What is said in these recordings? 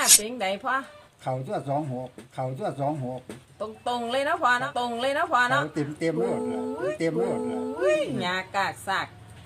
เป็นไดพ่อเข่าตัว26เข่าตัว26 ตรงเลยนะพ่อเนาะตรงเลยนะพ่อเนาะเต็มโลดล่ะเต็มโลดล่ะหญ้ากากซาก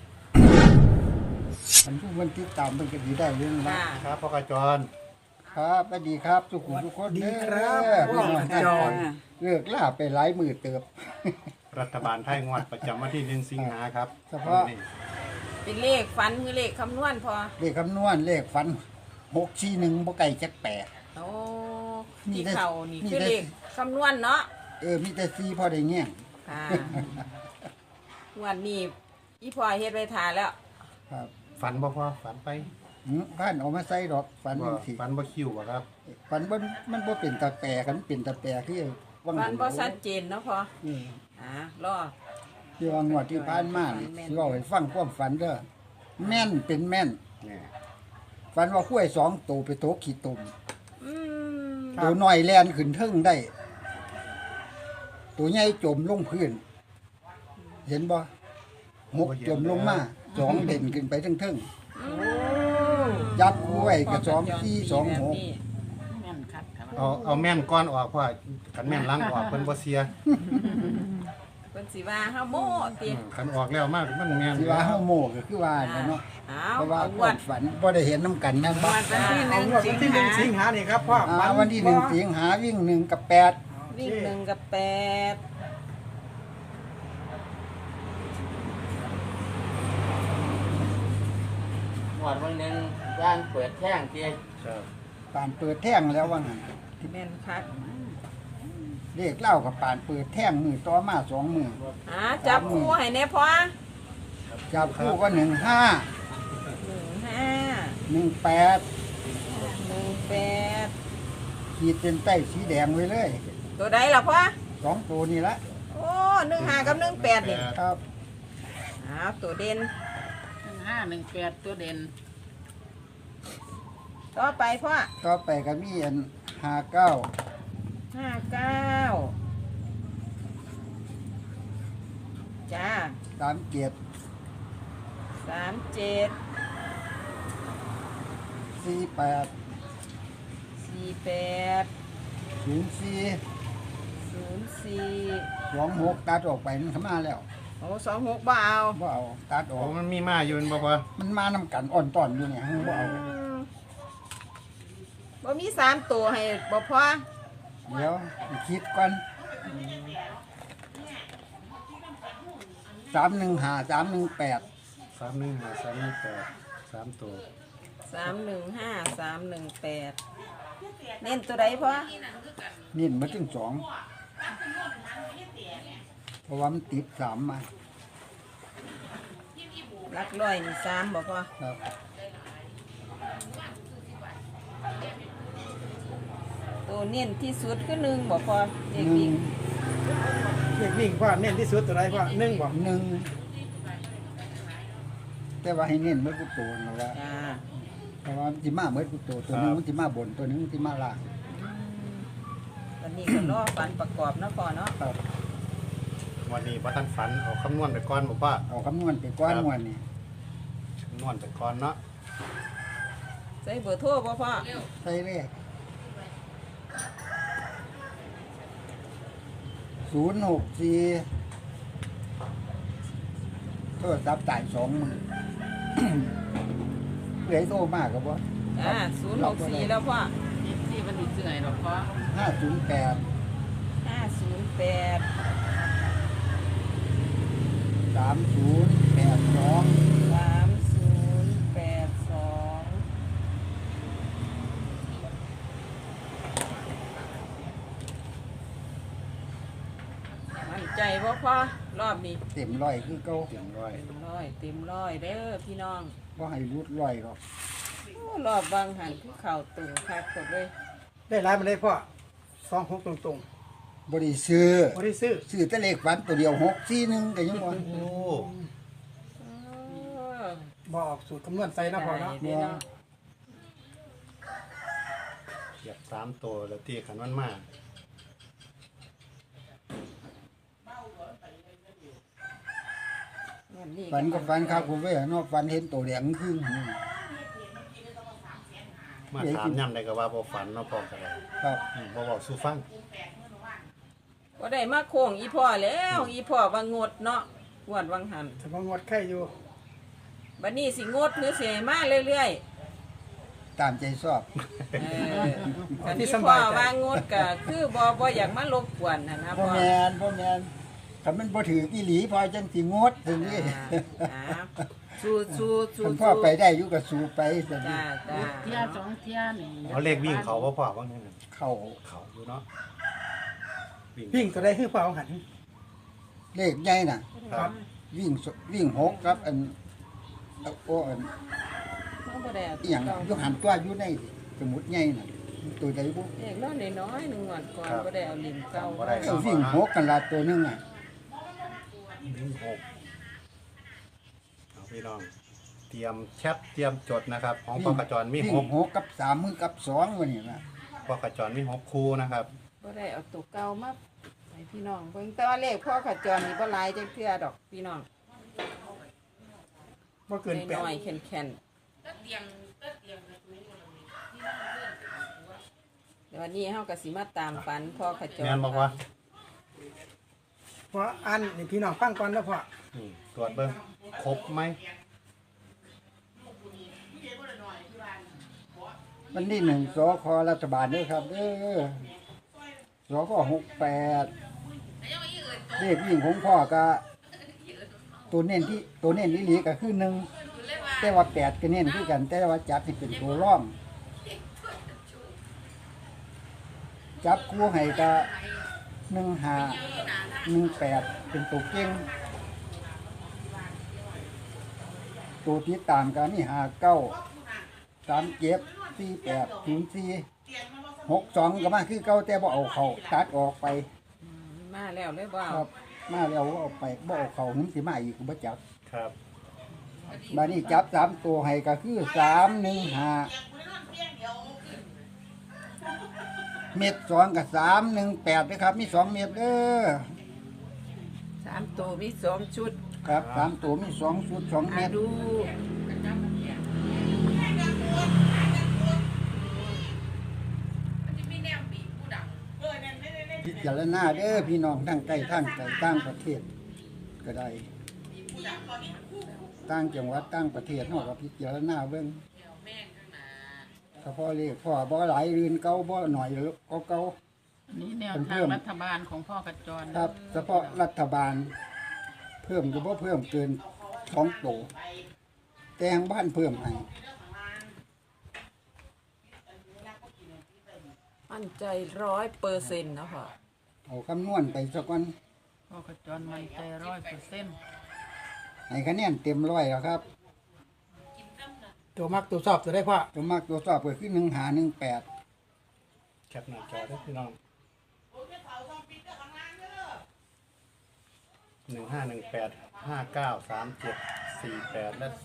มันติดตามมันก็ดีได้เรื่องนะครับพ่อกระจรครับสวัสดีครับทุกคนดีครับพ่อกระจรเลิกล่าไปหลายมื้อเติบรัฐบาลไทยงวดประจำวันที่1 สิงหาครับเฉพาะเป็นเลขฝันคือเลขคำนวณพอเลขคำนวณเลขฝัน641บ่ไกลจัก8 โอ้ที่เข่านี่คือเลขคำนวณเนาะมีแต่4พอได้แง่งค่ะวันนี้อีพ่อเฮ็ดไว้ทาแล้วครับฝันบ่พ่อฝันไปพันเอามาใส่ดอกฝันสิฝันบ่คิวบ่ครับฝันมันบ่เป็นตาแปรกันเป็นตาแปรคือฝันบ่ชัดเจนเนาะพ่อรอที่ว่างวดที่ผ่านมาสิเว้าให้ฟังความฝันเด้อแม่นเป็นแม่นฝันว่าข้วย2ตัวไปโตกขี้ตุ่มตัวน้อยแล่นขึ้นเทิงได้ตัวใหญ่จมลงพื้นเห็นบ่6จมลงมา2เด่นขึ้นไปเทิงๆยับข้วยก็2 4 2 6 เอาแม่นก้อนออกพ่อคันแม่นล้างออกเพิ่นบ่เสียเพิ่นสิว่าเฮาโม่ติคันออกแล้วมากมันแม่นสิว่าเฮาโม่ก็คือว่าเนาะเพราะว่าความฝันบ่ได้เห็นนำกันแม่นบ่วันที่1 สิงหานี่ครับพ่อวันที่1สิงหาวิ่ง1กับ8 วิ่ง1กับ8 วันนึงย่างเปิดแท่งทีป่านเปิดแท่งแล้วว่างั้นแม่นคักเลขเล่ากับป่านเปิดแท่งมือต่อมา2มื้อจับคู่ให้แน่พ่อจับคู่ก็15 18ขีดเส้นใต้สีแดงไว้เลยตัวใดล่ะพ่อ 2ตัวนี่ละโอ้15กับ18นี่ครับตัวเด่น 15 18ตัวเด่นต่อไปพ่อต่อไปก็มีอัน59 จ้า 37 48 04 26ตัดออกไปมันเข้ามาแล้วโอ้26บ่เอาตัดออกมันมีมาอยู่บ่พ่อมันมานำกันอ่อนต้อนอยู่เนี่ยบ่เอาบ่มี3ตัวให้บ่พอเดี๋ยวคิดก่อน315 318 3 ตัว 315 318เน้นตัวใดพ่อเน้นมาถึง2เพราะว่ามันติด3มาหลักร้อยนี่3บ่พ่อครับตัวเน้นที่สุดคือ1บ่พอเด็กวิ่งพ่อเน้นที่สุดตัวใดพ่อ1บ่ 1แต่ว่าให้เน้นเมื่อกูโตนั่นแหละเพราะว่ามันสิมาเมื่อกูโตตัวนึงมันสิมาบนตัวนึงมันสิมาล่างวันนี้ก็รอฝันประกอบเนาะพ่อเนาะวันนี้บ่ทันฝันเอาคำนวณไปก่อนบ่พ่อเอาคำนวณไปก่อนวันนี้คำนวณไปก่อนเนาะใส่เบอร์โทรบ่พ่อใส่เลข064โทรศัพท์จ่าย20,000เหลือโทรมากครับบ่ 064แล้วพ่อที่มันสิซื้อให้ดอกพ่อ 508 มั่นใจบ่พ่อรอบนี้เต็มร้อยคือเก่าเต็มร้อยเด้อพี่น้องบ่ให้รุดร้อยหรอกรอบบางหันคือเข่าตึงคักกดเลยได้หลายมาเลยพ่อ26ตรงบ่ได้ซื้อซื้อแต่เลขฝันตัวเดียว641ก็ยังบ่โอ้บ่ออกสูตรคำนวณใส่นะพ่อเนาะเก็บ3ตัวแล้วตีขันมันมาฝันก็ฝันครับผมเว้ยเนาะฝันเห็นตัวแดงครึ่งมาถามย่ำได้ก็ว่าบ่ฝันเนาะพ่อก็ได้ครับบ่เว้าสู่ฟังก็ได้มาโค้งอีพ่อแล้วอีพ่อว่างดเนาะงวดวังหันแต่ว่างดไข่อยู่บัดนี้สิงดหรือสิให้มาเรื่อยตามใจชอบๆคันอีพ่อว่างดก็คือบ่อยากมารบกวนนะพ่พ่ออแมนพ่อแมนคันมันบ่ถืออีหลีพอจังสิงดถึงนี่อ่าสู้ๆคันพ่อไปได้อยู่ก็สู้ไปซั่นจ้านี่จ้าเที่ยสองเที่ยนี่เอาเลขวิ่งเขาบ่พ่อว่างั้นน่ะเข้าเขาอยู่เนาะวิ่งตัวได้คือเปล่าหันเลขใหญ่น่ะครับวิ่งหกครับอันโอ้อันเขาบ่ได้เอาอหย่างอยุหันตัวอยู่ในสมุดใหญ่น่ะตัวใดบุเด็กน้อยน้อยๆหนึ่งวันก่อนบ่ได้เอาลิ้นเก่าบ่ได้วิ่งหกกันละตัวหนึงอ่ะวิ่งหกเอาพี่น้อง เตรียมแคปเตรียมจดนะครับ ของพ่อกระจรมีวิ่หงกหกกับสามมือกับสองวันนี้นะพ่อกระจรมี6คู่นะครับบ่ได้เอาตัวเก่ามาให้พี่น้องเบิ่งแต่ว่าเลขพ่อขจรนี่บ่หลายจังเทื่อดอกพี่น้องบ่เกินแปดน้อยๆแข็งๆเดี๋ยววันนี้เฮาก็สิมาตามฝันพ่อขจรแม่นบอกว่าเพราะอันนี่พี่น้องฟังก่อนนะพ่อตรวจเบิ่งครบไหมวันที่หนึ่งสครัฐบาลด้วยครับเด้อสค68เลขวิ่งของพ่อก็ตัวเน้นนี่หลีก็คือ1แต่ว่า8ก็เน้นคือกัน แต่ว่าจับที่เป็นตัวร่อง จับคู่ให้ก็1518เป็นตัวเก่งตัวที่ตามกันนี่5937480462ก็มาคือเก่าแต่บ่เอาเขาตัดออกไปมาแล้วเลยบ่ครับ มาแล้วบ่เอาไปบ่เอาเขานึงสิมาอีกก็บ่จับครับบัดนี้จับ3ตัวให้ก็คือ315เม็ด2กับ318นะครับมี2เม็ดเด้อ 3ตัวมี2ชุดครับ3ตัวมี2ชุด2เม็ดดูพิจารณาเด้อพี่น้องทั้งใกล้ทั้งไกลต่างประเทศก็ได้ต่างจังหวัดต่างประเทศเฮาก็พิจารณาเบิ่งถ้าพ่อเลขพ่อบ่หลายอื่นเก่าบ่หน่อยก็เก่านี่แนวเป็นเพิ่ทางมรัฐบาลของพ่อกระจรครับเฉพาะรัฐบาล เพิ่มก็บ่เพิ่มเกิน2โตแต่ทางบ้านเพิ่มให้มั่นใจ 100%นะพ่อเอาคำนวณไปซะก่อนพ่อกระจรมันใจ100% ให้คะแนนเต็ม100แล้วครับตัวมักตัวชอบตัวได้พ่อตัวมากตัวสอบก็คือ1518 แคปหน้าจอเด้อพี่น้อง1518593748และ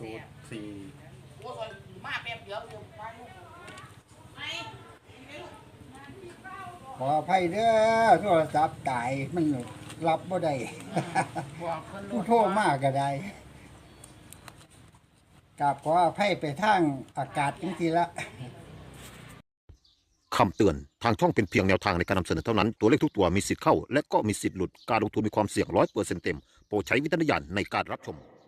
04 ขออภัยเด้อโทรศัพท์ตายมันรับบ่ได้บอกเพิ่นผู้โทรมากก็ได้กราบขออภัยไปทางอากาศจริงๆละคำเตือน ทางช่องเป็นเพียงแนวทางในการนำเสนอเท่านั้น ตัวเลขทุกตัวมีสิทธิ์เข้า และก็มีสิทธิ์หลุด การลงทุนมีความเสี่ยง100%เต็ม โปรดใช้วิจารณญาณในการรับชม